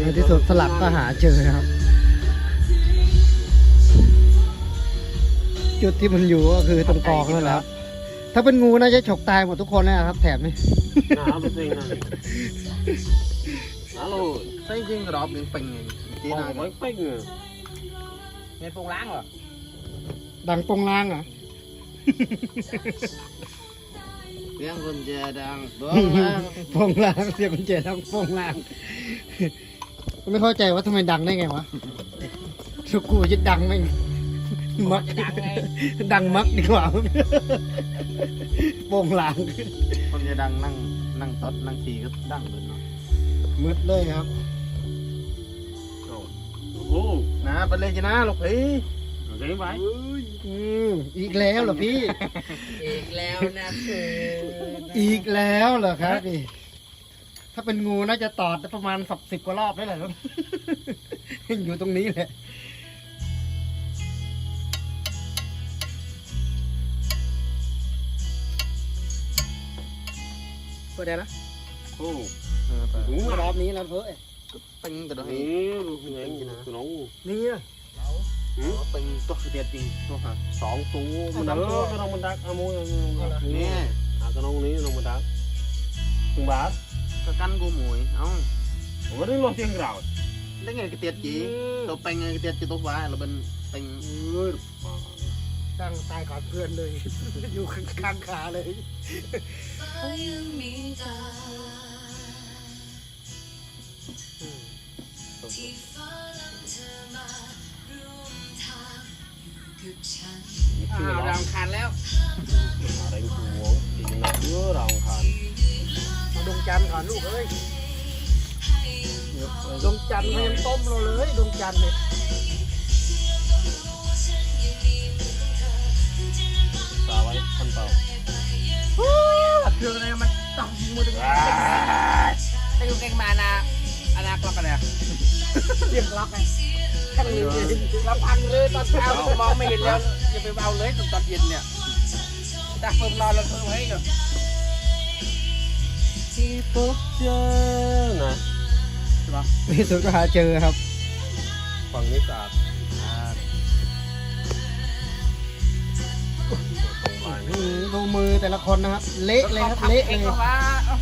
ในที่สุดสลับก็หาเจอครับ จุดที่มันอยู่ก็คือตรงกองนั่นแหละครับถ้าเป็นงูน่าจะฉกตายหมดทุกคนนะครับแถบนี้น้ำเป็นจริงนะฮัลโหลใช่จริงกระดอบหนึ่งปิงจีมน่าองไม่เป๊กเลยเงินปงล้างเหรอดังปงลางเหรอเสียงคนเจดังปงปงลางเสียงกุญแจดังปงลางไม่เข้าใจว่าทำไมดังได้ไงวะสุกูจะดังไหมมักดังมักดีกว่าปงลางคนเจดังนั่งตดนั่งขี่ก็ดังเลยเนาะมืดเลยครับโอ้โหนะไปเลยจีน่าลูกพี่เดี๋ยวไปอีกแล้วเหรอพี่อีกแล้วนะคืออีกแล้วเหรอครับพี่ถ้าเป็นงูน่าจะตอดประมาณ10 กว่ารอบได้แหละครับ อยู่ตรงนี้แหละเปิดได้นะโอ้รอบนี้แล้วเพ้อปิงกระดอบนี่ลูกเงี้ยคือน้องนี่อะปิงตัวเดียดจริงตัวฮะสองตัวมันดักก็น้องมันดักเอามือนี่ก็น้องนี้น้องมันดักถึงบาทก็กันกูหมวยเอ้าผมก็ได้รอเสียงกล่าวได้ไงกระเตียดจีตัวปิงกระเตียดจีตัวฟ้าเราเป็นปิงตั้งตายก่อนเพื่อนเลย อยู่ข้างขาเลยดาวคันแล้วอะไรกูจริงนะเยอะเราขาดมาดวงจันทร์ก่อนลูกเอ้ยดวงจันทร์เขายังต้มเราเลยดวงจันทร์เนี่ยสาไว้คนเต่าเครื่องอะไรมันต้องมือดึงได้ดูเก่งมานะอนาคตกันเนี่ยเรียกล็อกไงเราพังเลยตอนเช้ามองไม่เห็นแล้วอย่าไปเอาเลยตอนเย็นเนี่ยแต่เพิ่มรอเราเพิ่มให้ก่อนที่พบเจอนะในที่สุดก็หาเจอครับฝั่งนี้สะอาดตรงลายนี่ดูมือแต่ละคนนะครับ เละเลยครับเละเลยว่า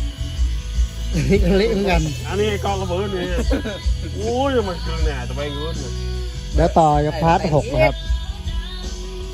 เละเหมือนกันอันนี้กองระเบิดนี่โอ้ยมันคือเนี่ยจะไปเงินแล้วต่อจะพาร์ท 6นะครับ